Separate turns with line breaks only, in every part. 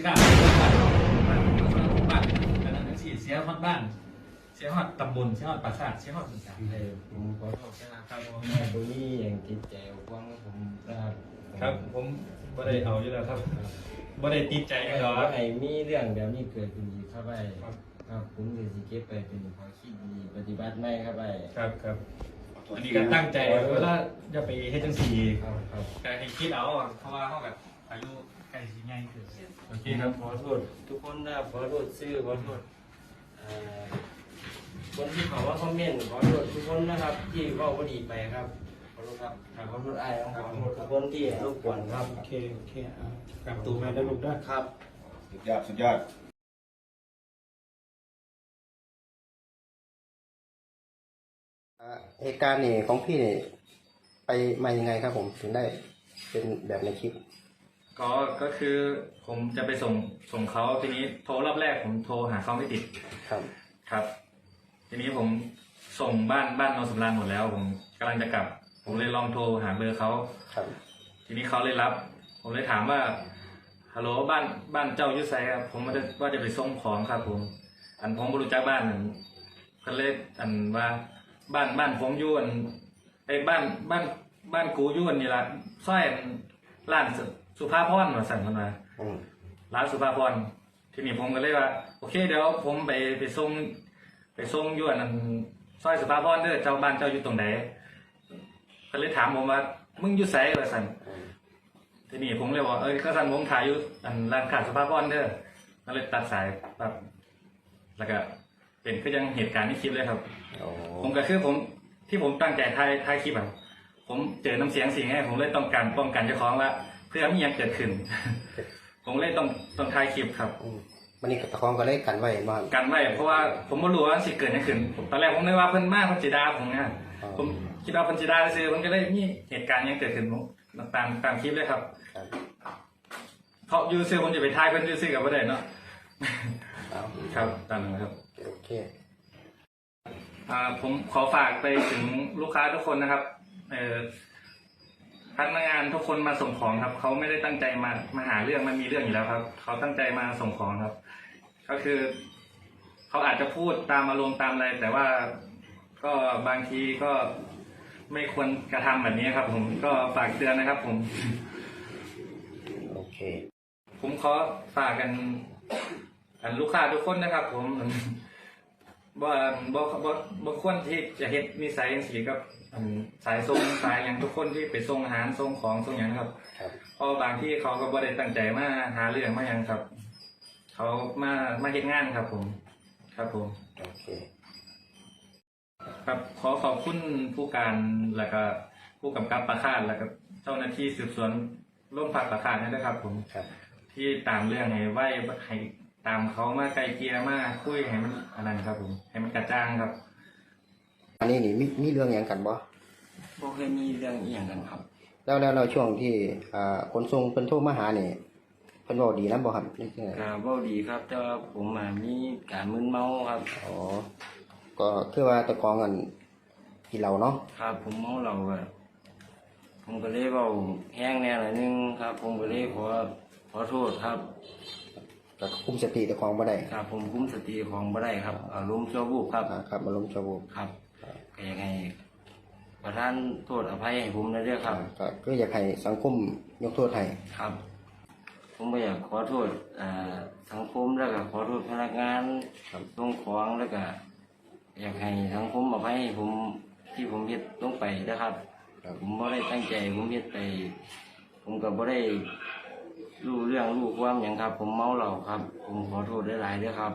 กล้าบ้านแล้วนั่นสิเสียฮอดบ้านเสียฮอดตำบลเสียฮอดปราสาทเสียฮอดต่างๆ
ผมขอโทษนะครับตรงนี้อย่างจิตใจกว้างผมนะครับ
ครับผมบ่ได้เอาอยู่แล้วครับบ่ได้ติดใจกันหรอก
ไอ้มีเรื่องแบบนี้เกิดขึ้นอีกครับไอ้ครับผมจะสิเก็บไปเป็นความคิดดีปฏิบัติไม่ครับไอ้
ครับอันนี้ก็ตั้งใจเวลาจะไปเฮ็ดจังซี่
ครับ
แต่ให้คิดเอาเพราะว่าเฮาแบบอายุใกล้สิใหญ่ขึ้นโอเคครับ
ขอโทษทุกคนนะขอโทษชื่อขอโทษคนที่เขาว่าคอมเมนต์ขอโทษทุกคนนะครับที่ว่าบ่ดีไปครับขอโทษครับขอโทษไอ้ขอโทษทุกคนที่รบกวนครับ
โอเคกลับตัวมาได้ลูกได้
ครับ
สุดยอดเหตุการณ์นี่ของพี่นี่ไปมายังไงครับผมถึงได้เป็นแบบในคลิป
ก็คือผมจะไปส่งเขาทีนี้โทรรอบแรกผมโทรหาเขาไม่ติดครับทีนี้ผมส่งบ้านโนนสำราญหมดแล้วผมกำลังจะกลับผมเลยลองโทรหาเบอร์เขาทีนี้เขาเลยรับผมเลยถามว่าฮัลโหลบ้านเจ้าอยู่ไสครับผมว่าจะไปส่งของครับผมผมไม่รู้จักบ้านก็เลยว่าบ้านผมอยู่ไอ้บ้านกูอยู่นี่ละซอยร้านสุภาพรมาสั่งมันมาร้านสุภาพรทีนี้ผมก็เลยว่าโอเคเดี๋ยวผมไปส่งอยู่ซอยสุภาพรเด้อเจ้าบ้านเจ้าอยู่ตรงไหนก็เลยถามผมว่ามึงอยู่ไสมาสั่งทีนี้ผมเลยว่าก็สั่งผมถ่ายอยู่ร้านขายสุภาพรเด้อก็เลยตัดสายแบบแล้วก็เป็นก็ยังเหตุการณ์ที่คลิปเลยครับผมก็คือที่ผมตั้งใจถ่ายคลิปผมเจอน้ำเสียงสิ่งให้ผมเลยต้องการป้องกันเจ้าของว่าเพื่อไม่อยากเกิดขึ้น ผมเลยต้องถ่ายคลิปครับ
วันนี้ตะคองก็เลยกันไว้มา
กันไว้เพราะว่าผมไม่รู้ว่าสิเกิดยังขึ้นตอนแรกผมนึกว่าเพิ่นมากเพิ่นจีดาผมเนี่ยผมคิดว่าเพิ่นจีดาซื้อผมก็เลยมีเหตุการณ์ยังเกิดขึ้นตามคลิปเลยครับเพราะยูซื้อผมจะไปถ่ายเพิ่นซื้อกับประเด็นเนาะครับตามนั้นครับ
โอเค
ผมขอฝากไปถึงลูกค้าทุกคนนะครับพนักงานทุกคนมาส่งของครับเขาไม่ได้ตั้งใจมาหาเรื่องมันมีเรื่องอยู่แล้วครับเขาตั้งใจมาส่งของครับก็คือเขาอาจจะพูดตามอารมณ์ตามอะไรแต่ว่าก็บางทีก็ไม่ควรกระทำแบบนี้ครับผมก็ฝากเตือนนะครับผม
โอเค
ผมขอฝากกันลูกค้าทุกคนนะครับผมบ่ควรที่จะเฮ็ดนิสัยอย่างสีกับสายส่งสายอย่างทุกคนที่ไปส่งอาหารส่งของส่งอย่างครับเพราะบางที่เขาก็บ่ได้ตั้งใจมาหาเรื่องมาอย่างครับเขามาเฮ็ดงานครับผม
โอเค
ครับขอขอบคุณผู้การแล้วก็ผู้กำกับประคาดแล้วก็เจ้าหน้าที่สืบสวนร่วมภาคประคาดนะครับผมที่ตามเรื่องให้ตามเขามาไกลเกลี่ยมาคุยให้มันอะไรครับผมให้มันกระจ่างครับ
อันนี้นี่มีเรื่องอย่างกันบ่
เคยมีเรื่องอย่างกันครับ
แล้วเราช่วงที่ขนส่งเพิ่นโทรมาหาเนี่ยเพิ่นเว้าดีนำบ่ครับ
เว้าดีครับแต่ว่าผมมีการมึนเมาครับ
ก็คือว่าตะกองกันกินเหล้าเนาะ
ครับผมเมาเหล้าผมก็เลยเว้าแห้งแน่หน่อยนึงครับผมก็เลยขอโทษครับ
ก็คุมสติตะกองบ่ได้
ครับผมคุมสติของบ่ได้ครับอารมณ์ชั่ววูบครับ
ครับอารมณ์ชั่ววูบ
ครับก็อยากให้ประทานโทษอภัยให้ผมนะเด้อครับ
ก็อยากให้สังคมยกโทษให้
ครับผมก็อยากขอโทษสังคมแล้วก็ขอโทษพนักงานส่งของแล้วก็อยากให้สังคมอภัยให้ผมที่ผมเฮ็ดลงไปนะครับผมบ่ได้ตั้งใจผมเฮ็ดไปผมก็บ่ได้รู้เรื่องรู้ความอย่างครับผมเมาเหล้าครับผมขอโทษหลายๆด้วยครับ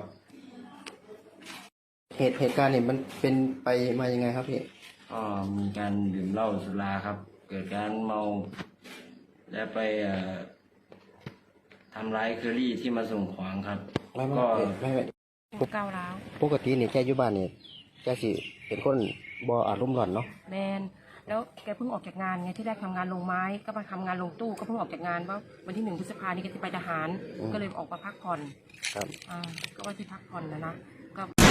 เหตุการณ์นี้มันเป็นไปมายังไงครับพี่
ก็มีการดื่มเหล้าสุราครับเกิดการเมาและไปทำร้ายเคอรี่ที่มาส่งของครับ
ก็
ก้าวร้าว
ปกติเนี่ยแกอยู่บ้านเนี่ยแกสิเป็นคนบ่อารมณ์ร้อนเนาะ
แมนแล้วแกเพิ่งออกจากงานไงที่แรกทำงานลงไม้ก็มาทำงานลงตู้ก็เพิ่งออกจากงานว่าวันที่1 พฤษภาคมนี้แกจะไปทหารก็เลยออกมาพักผ่อน
ครับ
ก็ว่าที่พักผ่อนนะก็